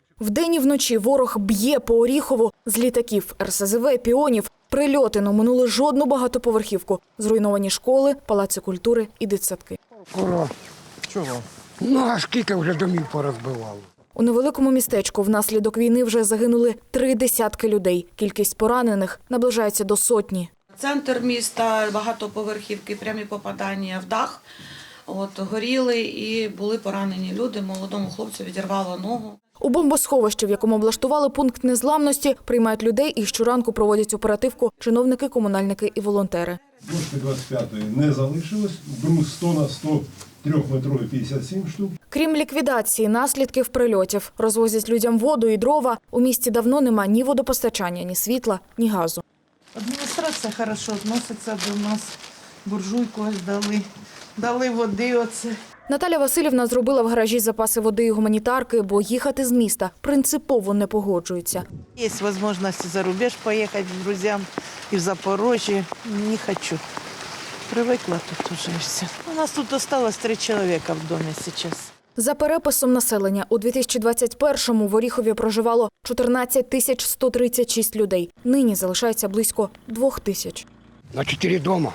Вдень і вночі ворог б'є по Оріхову з літаків, РСЗВ, піонів. Прильоти не оминули жодну багатоповерхівку. Зруйновані школи, палаци культури і дитсадки. Ура! Чого? Ну, а скільки вже домів порозбивало? У невеликому містечку внаслідок війни вже загинули 3 десятки людей. Кількість поранених наближається до сотні. Центр міста, багатоповерхівки, прямі попадання в дах. Горіли і були поранені люди. Молодому хлопцю відірвало ногу. У бомбосховищі, в якому облаштували пункт незламності, приймають людей і щоранку проводять оперативку чиновники, комунальники і волонтери. Дошки 25-ї не залишилось, брус 100 на 100, 3-метровий 57 штук. Крім ліквідації наслідків прильотів, розвозять людям воду і дрова. У місті давно нема ні водопостачання, ні світла, ні газу. Адміністрація хорошо відноситься до нас, буржуйку ось дали, дали води оце. Наталя Васильівна зробила в гаражі запаси води і гуманітарки, бо їхати з міста принципово не погоджується. Є можливість за рубеж поїхати з друзям і в Запорожжя. Не хочу. Привикла тут уже все. У нас тут залишилось 3 чоловіка в домі зараз. За переписом населення, у 2021-му в Оріхові проживало 14 136 людей. Нині залишається близько 2 тисяч. На 4 дома.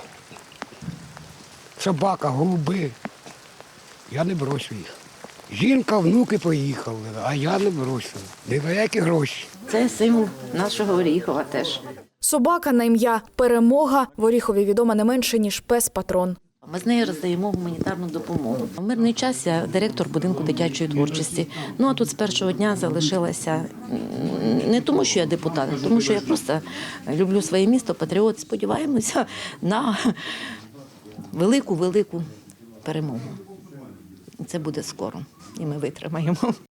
Собака, голуби. Я не брошу їх. Жінка, внуки поїхали, а я не брошу. Ні за які гроші. Це символ нашого Оріхова теж. Собака на ім'я «Перемога» в Оріхові відома не менше, ніж пес-патрон. Ми з нею роздаємо гуманітарну допомогу. В мирний час я директор будинку дитячої творчості. Ну а тут з першого дня залишилася не тому, що я депутат, а тому що я просто люблю своє місто, патріот. Сподіваємося на велику перемогу. Це буде скоро, і ми витримаємо.